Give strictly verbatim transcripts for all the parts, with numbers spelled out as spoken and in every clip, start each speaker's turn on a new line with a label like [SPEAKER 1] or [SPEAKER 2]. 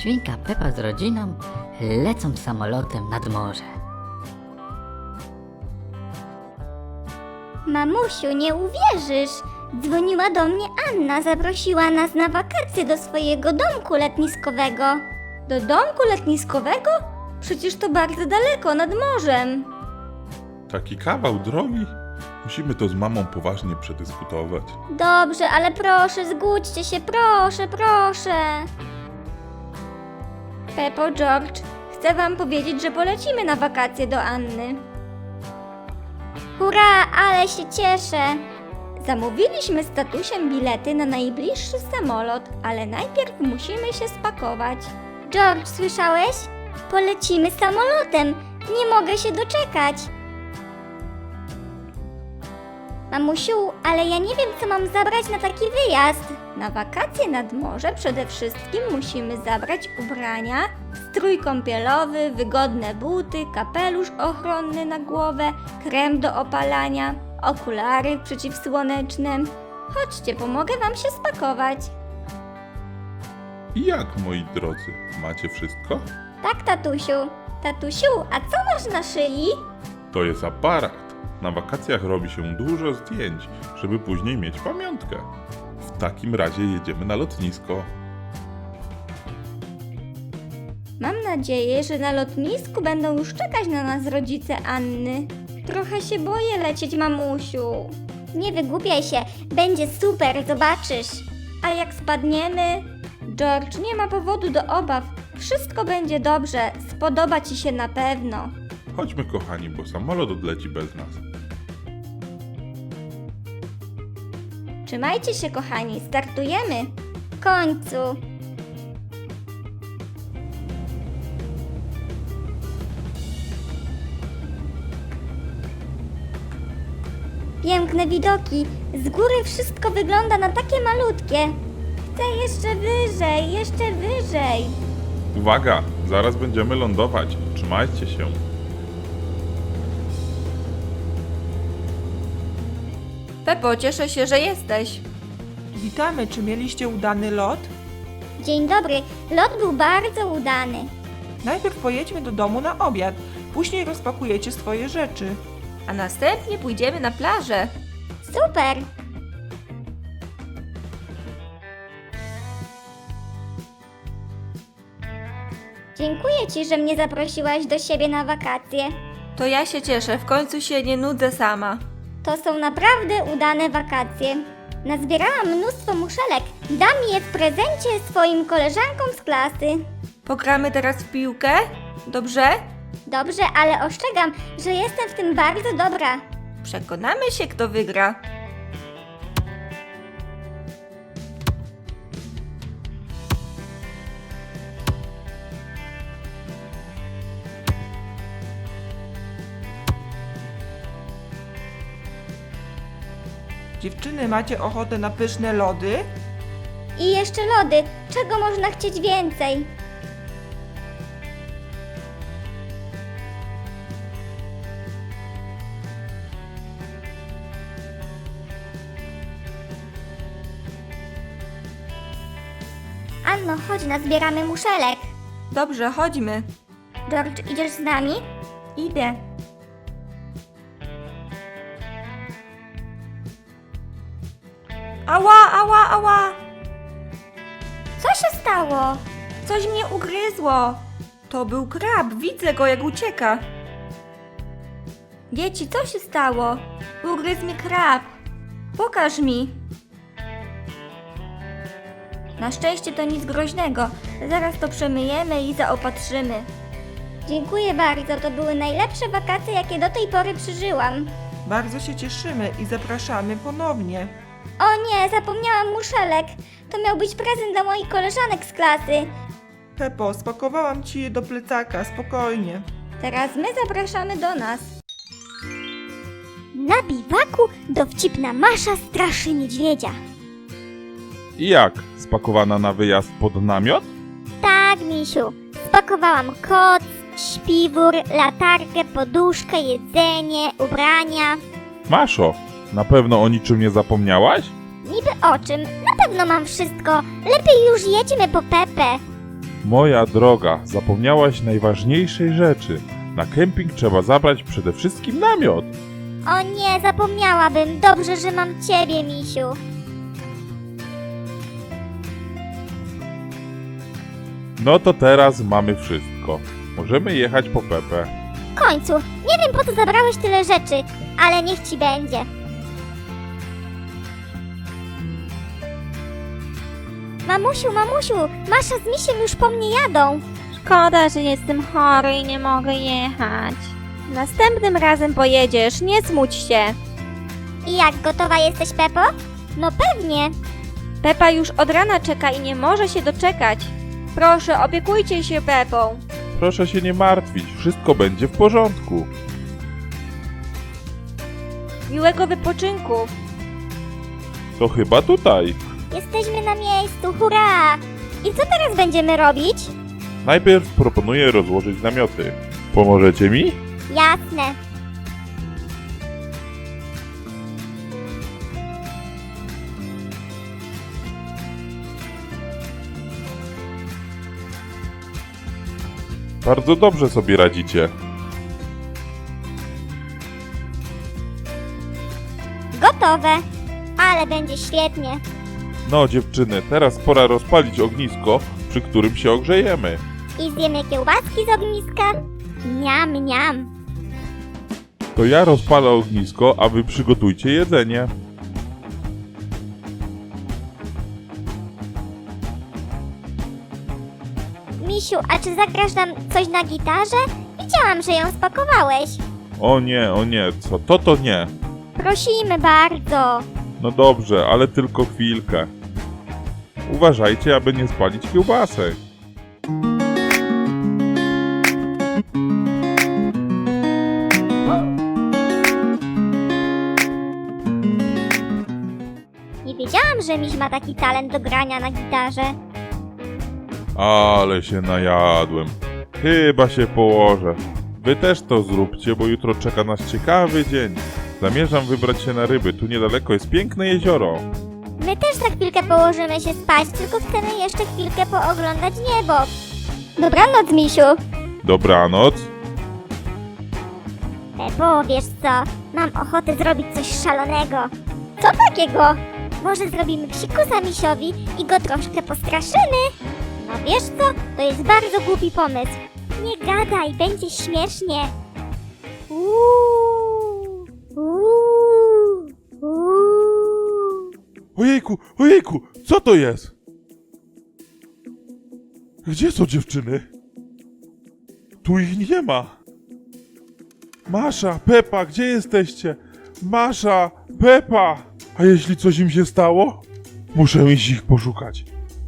[SPEAKER 1] Świnka Pepa z rodziną lecą samolotem nad morze.
[SPEAKER 2] Mamusiu, nie uwierzysz! Dzwoniła do mnie Anna, zaprosiła nas na wakacje do swojego domku letniskowego. Do domku letniskowego? Przecież to bardzo daleko, nad morzem.
[SPEAKER 3] Taki kawał drogi? Musimy to z mamą poważnie przedyskutować.
[SPEAKER 2] Dobrze, ale proszę, zgódźcie się, proszę, proszę. Peppo, George, chcę wam powiedzieć, że polecimy na wakacje do Anny. Hurra, ale się cieszę. Zamówiliśmy z tatusiem bilety na najbliższy samolot, ale najpierw musimy się spakować. George, słyszałeś? Polecimy samolotem. Nie mogę się doczekać. Mamusiu, ale ja nie wiem, co mam zabrać na taki wyjazd. Na wakacje nad morze przede wszystkim musimy zabrać ubrania, strój kąpielowy, wygodne buty, kapelusz ochronny na głowę, krem do opalania, okulary przeciwsłoneczne. Chodźcie, pomogę wam się spakować.
[SPEAKER 3] I jak, moi drodzy, macie wszystko?
[SPEAKER 2] Tak, tatusiu. Tatusiu, a co masz na szyi?
[SPEAKER 3] To jest aparat. Na wakacjach robi się dużo zdjęć, żeby później mieć pamiątkę. W takim razie jedziemy na lotnisko.
[SPEAKER 2] Mam nadzieję, że na lotnisku będą już czekać na nas rodzice Anny. Trochę się boję lecieć, mamusiu. Nie wygłupiaj się, będzie super, zobaczysz. A jak spadniemy? George, nie ma powodu do obaw. Wszystko będzie dobrze, spodoba ci się na pewno.
[SPEAKER 3] Chodźmy, kochani, bo samolot odleci bez nas.
[SPEAKER 2] Trzymajcie się, kochani, startujemy. W końcu. Piękne widoki. Z góry wszystko wygląda na takie malutkie. Chcę jeszcze wyżej, jeszcze wyżej.
[SPEAKER 3] Uwaga, zaraz będziemy lądować. Trzymajcie się.
[SPEAKER 4] Peppo, cieszę się, że jesteś.
[SPEAKER 5] Witamy, czy mieliście udany lot?
[SPEAKER 2] Dzień dobry. Lot był bardzo udany.
[SPEAKER 5] Najpierw pojedźmy do domu na obiad, później rozpakujecie swoje rzeczy.
[SPEAKER 4] A następnie pójdziemy na plażę.
[SPEAKER 2] Super. Dziękuję ci, że mnie zaprosiłaś do siebie na wakacje.
[SPEAKER 4] To ja się cieszę, w końcu się nie nudzę sama.
[SPEAKER 2] To są naprawdę udane wakacje. Nazbierałam mnóstwo muszelek. Dam je w prezencie swoim koleżankom z klasy.
[SPEAKER 4] Pogramy teraz w piłkę? Dobrze?
[SPEAKER 2] Dobrze, ale ostrzegam, że jestem w tym bardzo dobra.
[SPEAKER 4] Przekonamy się, kto wygra.
[SPEAKER 5] Dziewczyny, macie ochotę na pyszne lody?
[SPEAKER 2] I jeszcze lody. Czego można chcieć więcej? Anno, chodź, nazbieramy muszelek.
[SPEAKER 4] Dobrze, chodźmy.
[SPEAKER 2] George, idziesz z nami?
[SPEAKER 4] Idę. Ała, ała, ała!
[SPEAKER 2] Co się stało?
[SPEAKER 4] Coś mnie ugryzło. To był krab, widzę go jak ucieka. Dzieci, co się stało? Ugryzł mnie krab. Pokaż mi. Na szczęście to nic groźnego. Zaraz to przemyjemy i zaopatrzymy.
[SPEAKER 2] Dziękuję bardzo, to były najlepsze wakacje, jakie do tej pory przeżyłam.
[SPEAKER 5] Bardzo się cieszymy i zapraszamy ponownie.
[SPEAKER 2] O nie, zapomniałam muszelek. To miał być prezent dla moich koleżanek z klasy.
[SPEAKER 5] Peppo, spakowałam ci je do plecaka, spokojnie.
[SPEAKER 2] Teraz my zapraszamy do nas. Na biwaku dowcipna Masza straszy niedźwiedzia.
[SPEAKER 3] I jak? Spakowana na wyjazd pod namiot?
[SPEAKER 2] Tak, misiu. Spakowałam koc, śpiwór, latarkę, poduszkę, jedzenie, ubrania.
[SPEAKER 3] Maszo, na pewno o niczym nie zapomniałaś?
[SPEAKER 2] Niby o czym? Na pewno mam wszystko. Lepiej już jedźmy po Pepę.
[SPEAKER 3] Moja droga, zapomniałaś najważniejszej rzeczy. Na kemping trzeba zabrać przede wszystkim namiot.
[SPEAKER 2] O nie, zapomniałabym. Dobrze, że mam ciebie, misiu.
[SPEAKER 3] No to teraz mamy wszystko. Możemy jechać po Pepę.
[SPEAKER 2] W końcu, nie wiem po co zabrałeś tyle rzeczy, ale niech ci będzie. Mamusiu, mamusiu, Masza z misiem już po mnie jadą.
[SPEAKER 4] Szkoda, że jestem chory i nie mogę jechać. Następnym razem pojedziesz, nie smuć się.
[SPEAKER 2] I jak, gotowa jesteś, Pepo? No pewnie.
[SPEAKER 4] Pepa już od rana czeka i nie może się doczekać. Proszę, opiekujcie się Pepą.
[SPEAKER 3] Proszę się nie martwić, wszystko będzie w porządku.
[SPEAKER 4] Miłego wypoczynku.
[SPEAKER 3] To chyba tutaj.
[SPEAKER 2] Jesteśmy na miejscu, hurra! I co teraz będziemy robić?
[SPEAKER 3] Najpierw proponuję rozłożyć namioty. Pomożecie mi?
[SPEAKER 2] Jasne.
[SPEAKER 3] Bardzo dobrze sobie radzicie.
[SPEAKER 2] Gotowe. Ale będzie świetnie.
[SPEAKER 3] No dziewczyny, teraz pora rozpalić ognisko, przy którym się ogrzejemy.
[SPEAKER 2] I zjemy kiełbaski z ogniska. Niam, niam.
[SPEAKER 3] To ja rozpalę ognisko, a wy przygotujcie jedzenie.
[SPEAKER 2] Misiu, a czy zagrasz nam coś na gitarze? Widziałam, że ją spakowałeś.
[SPEAKER 3] O nie, o nie, co to to nie.
[SPEAKER 2] Prosimy bardzo.
[SPEAKER 3] No dobrze, ale tylko chwilkę. Uważajcie, aby nie spalić kiełbasek.
[SPEAKER 2] Nie wiedziałam, że miś ma taki talent do grania na gitarze.
[SPEAKER 3] Ale się najadłem. Chyba się położę. Wy też to zróbcie, bo jutro czeka nas ciekawy dzień. Zamierzam wybrać się na ryby, tu niedaleko jest piękne jezioro.
[SPEAKER 2] My też za chwilkę położymy się spać, tylko chcemy jeszcze chwilkę pooglądać niebo. Dobranoc, misiu.
[SPEAKER 3] Dobranoc.
[SPEAKER 2] Pepo, wiesz co? Mam ochotę zrobić coś szalonego. Co takiego? Może zrobimy psikusa misiowi i go troszkę postraszymy? No wiesz co? To jest bardzo głupi pomysł. Nie gadaj, będzie śmiesznie. Uuu, uuu, uuu.
[SPEAKER 3] Ojejku, ojejku, co to jest? Gdzie są dziewczyny? Tu ich nie ma. Masza, Pepa, gdzie jesteście? Masza, Pepa! A jeśli coś im się stało? Muszę iść ich poszukać.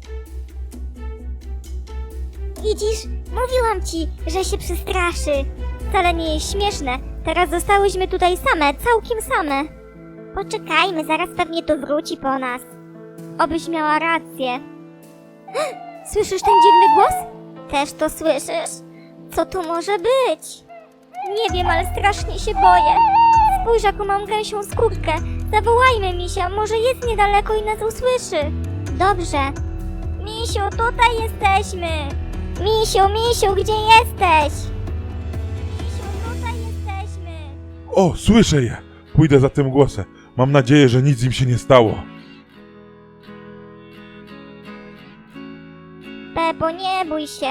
[SPEAKER 2] Widzisz, mówiłam ci, że się przestraszy. Wcale nie jest śmieszne. Teraz zostałyśmy tutaj same, całkiem same. Poczekajmy, zaraz pewnie to wróci po nas. Obyś miała rację. Słyszysz ten dziwny głos? Też to słyszysz? Co to może być? Nie wiem, ale strasznie się boję. Spójrz, jaką mam gęsią skórkę. Zawołajmy misia, może jest niedaleko i nas usłyszy. Dobrze. Misiu, tutaj jesteśmy. Misiu, misiu, gdzie jesteś? Misiu, tutaj jesteśmy.
[SPEAKER 3] O, słyszę je! Pójdę za tym głosem. Mam nadzieję, że nic im się nie stało.
[SPEAKER 2] Pepo, nie bój się.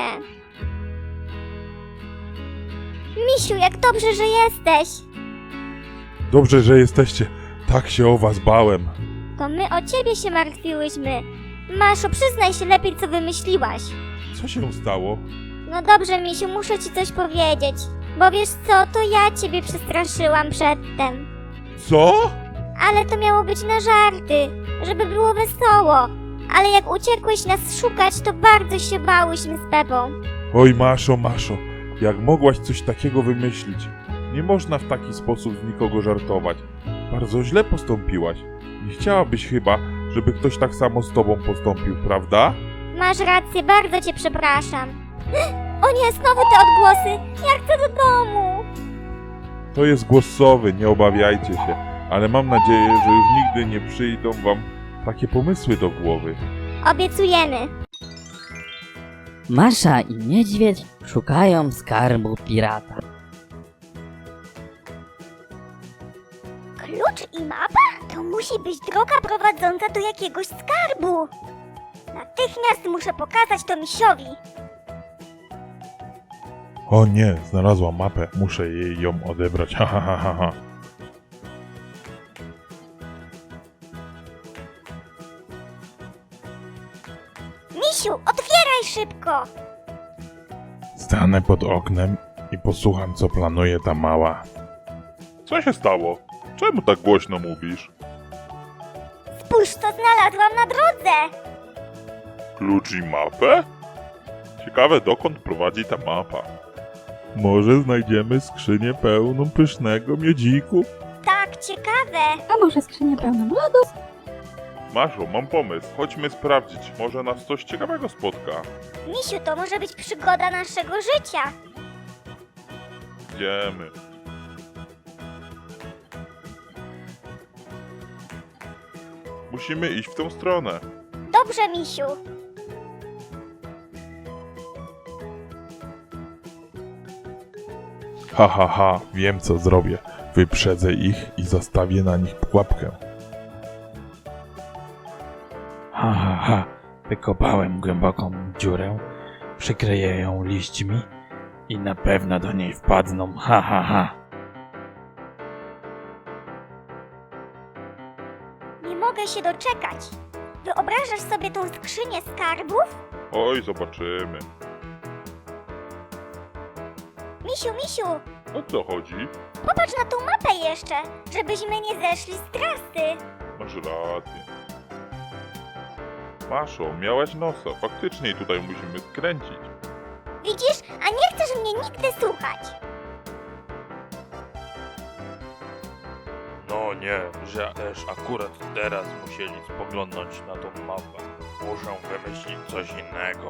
[SPEAKER 2] Misiu, jak dobrze, że jesteś.
[SPEAKER 3] Dobrze, że jesteście. Tak się o was bałem.
[SPEAKER 2] To my o ciebie się martwiłyśmy. Maszo, przyznaj się lepiej, co wymyśliłaś.
[SPEAKER 3] Co się stało?
[SPEAKER 2] No dobrze, misiu, muszę ci coś powiedzieć. Bo wiesz co, to ja ciebie przestraszyłam przedtem.
[SPEAKER 3] Co?
[SPEAKER 2] Ale to miało być na żarty, żeby było wesoło. Ale jak uciekłeś nas szukać, to bardzo się bałyśmy z Pepą.
[SPEAKER 3] Oj, Maszo, Maszo, jak mogłaś coś takiego wymyślić? Nie można w taki sposób z nikogo żartować. Bardzo źle postąpiłaś. Nie chciałabyś chyba, żeby ktoś tak samo z tobą postąpił, prawda?
[SPEAKER 2] Masz rację, bardzo cię przepraszam. O nie, znowu te odgłosy. Ja chcę do domu.
[SPEAKER 3] To jest głosowy, nie obawiajcie się. Ale mam nadzieję, że już nigdy nie przyjdą wam takie pomysły do głowy.
[SPEAKER 2] Obiecujemy.
[SPEAKER 1] Masza i niedźwiedź szukają skarbu pirata.
[SPEAKER 2] Klucz i mapa? To musi być droga prowadząca do jakiegoś skarbu. Natychmiast muszę pokazać to misiowi.
[SPEAKER 3] O nie, znalazłam mapę, muszę jej ją odebrać, ha ha ha ha ha.
[SPEAKER 2] Misiu, otwieraj szybko!
[SPEAKER 3] Stanę pod oknem i posłucham, co planuje ta mała. Co się stało? Czemu tak głośno mówisz?
[SPEAKER 2] Spójrz, co znalazłam na drodze!
[SPEAKER 3] Klucz i mapę? Ciekawe, dokąd prowadzi ta mapa. Może znajdziemy skrzynię pełną pysznego miodziku?
[SPEAKER 2] Tak, ciekawe.
[SPEAKER 4] A może skrzynię pełną lodów?
[SPEAKER 3] Maszo, mam pomysł. Chodźmy sprawdzić. Może nas coś ciekawego spotka.
[SPEAKER 2] Misiu, to może być przygoda naszego życia.
[SPEAKER 3] Idziemy. Musimy iść w tą stronę.
[SPEAKER 2] Dobrze, misiu.
[SPEAKER 3] Ha, ha, ha. Wiem, co zrobię. Wyprzedzę ich i zastawię na nich pułapkę.
[SPEAKER 6] Ha, ha, ha. Wykopałem głęboką dziurę, przykryję ją liśćmi i na pewno do niej wpadną. Ha, ha, ha.
[SPEAKER 2] Nie mogę się doczekać. Wyobrażasz sobie tą skrzynię skarbów?
[SPEAKER 3] Oj, zobaczymy.
[SPEAKER 2] Misiu, misiu,
[SPEAKER 3] O co chodzi?
[SPEAKER 2] popatrz na tą mapę jeszcze, żebyśmy nie zeszli z trasy.
[SPEAKER 3] Masz rację. Maszo, miałaś nosa. Faktycznie tutaj musimy skręcić.
[SPEAKER 2] Widzisz, a nie chcesz mnie nigdy słuchać.
[SPEAKER 6] No nie, że też akurat teraz musieli spoglądnąć na tą mapę. Muszę wymyślić coś innego.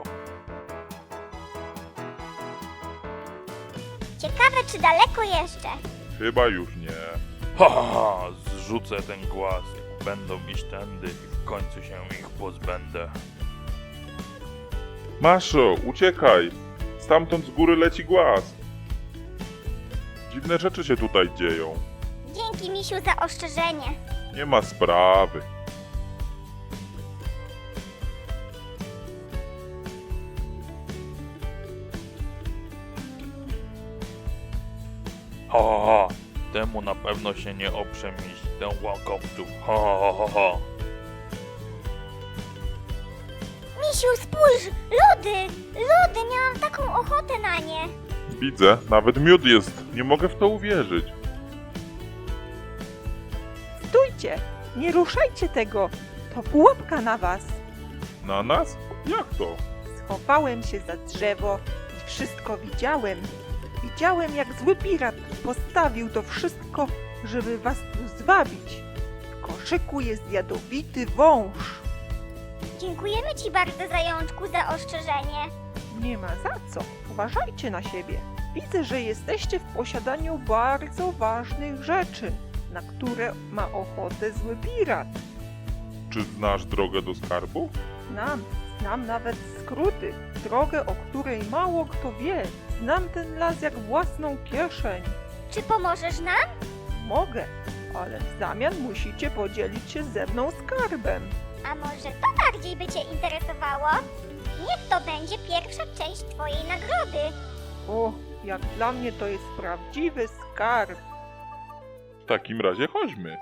[SPEAKER 2] Ciekawe, czy daleko jeszcze.
[SPEAKER 3] Chyba już nie.
[SPEAKER 6] Ha, ha, ha, zrzucę ten głaz. Będą iść tędy i w końcu się ich pozbędę.
[SPEAKER 3] Maszo, uciekaj! Stamtąd z góry leci głaz. Dziwne rzeczy się tutaj dzieją.
[SPEAKER 2] Dzięki, misiu, za ostrzeżenie.
[SPEAKER 3] Nie ma sprawy.
[SPEAKER 6] Ha, ha, ha. Temu na pewno się nie oprze mieć tę łakowców. Ha, ha, ha, ha.
[SPEAKER 2] Misiu, spójrz! Lody! Lody! Miałam taką ochotę na nie!
[SPEAKER 3] Widzę, nawet miód jest. Nie mogę w to uwierzyć.
[SPEAKER 5] Stójcie! Nie ruszajcie tego! To pułapka na was!
[SPEAKER 3] Na nas? Jak to?
[SPEAKER 5] Schowałem się za drzewo i wszystko widziałem. Widziałem, jak zły pirat postawił to wszystko, żeby was tu zwabić. W koszyku jest jadowity wąż.
[SPEAKER 2] Dziękujemy ci bardzo, zajączku, za ostrzeżenie.
[SPEAKER 5] Nie ma za co. Uważajcie na siebie. Widzę, że jesteście w posiadaniu bardzo ważnych rzeczy, na które ma ochotę zły pirat.
[SPEAKER 3] Czy znasz drogę do skarbu?
[SPEAKER 5] Znam, znam nawet skróty, drogę, o której mało kto wie. Znam ten las jak własną kieszeń.
[SPEAKER 2] Czy pomożesz nam?
[SPEAKER 5] Mogę, ale w zamian musicie podzielić się ze mną skarbem.
[SPEAKER 2] A może to bardziej by cię interesowało? Niech to będzie pierwsza część twojej nagrody.
[SPEAKER 5] O, jak dla mnie to jest prawdziwy skarb.
[SPEAKER 3] W takim razie chodźmy.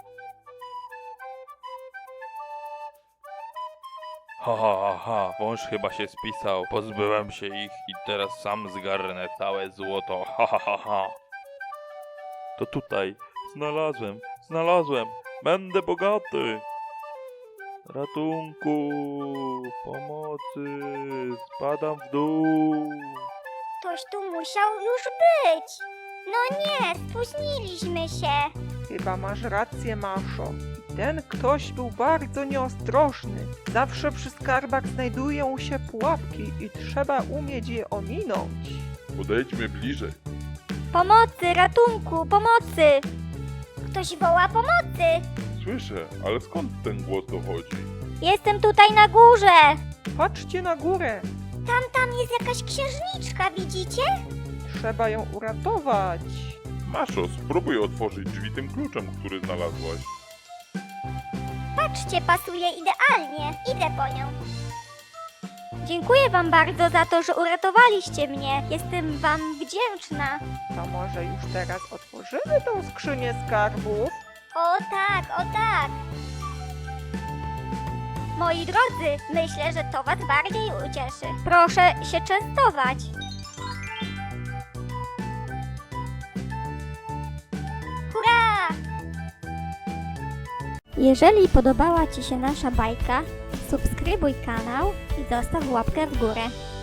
[SPEAKER 6] Ha, ha, ha, ha, wąż chyba się spisał. Pozbyłem się ich i teraz sam zgarnę całe złoto. Ha, ha, ha, ha. To tutaj. Znalazłem, znalazłem. Będę bogaty. Ratunku, pomocy, spadam w dół.
[SPEAKER 2] Ktoś tu musiał już być. No nie, spóźniliśmy się.
[SPEAKER 5] Chyba masz rację, Maszo. Ten ktoś był bardzo nieostrożny. Zawsze przy skarbach znajdują się pułapki i trzeba umieć je ominąć.
[SPEAKER 3] Podejdźmy bliżej.
[SPEAKER 2] Pomocy, ratunku, pomocy! Ktoś woła pomocy!
[SPEAKER 3] Słyszę, ale skąd ten głos dochodzi?
[SPEAKER 2] Jestem tutaj na górze!
[SPEAKER 5] Patrzcie na górę.
[SPEAKER 2] Tam, tam jest jakaś księżniczka, widzicie?
[SPEAKER 5] Trzeba ją uratować.
[SPEAKER 3] Maszo, spróbuj otworzyć drzwi tym kluczem, który znalazłaś.
[SPEAKER 2] Patrzcie, pasuje idealnie. Idę po nią. Dziękuję wam bardzo za to, że uratowaliście mnie. Jestem wam wdzięczna.
[SPEAKER 5] To może już teraz otworzymy tą skrzynię skarbów?
[SPEAKER 2] O tak, o tak. Moi drodzy, myślę, że to was bardziej ucieszy. Proszę się częstować. Hurra! Jeżeli podobała ci się nasza bajka, subskrybuj kanał i zostaw łapkę w górę.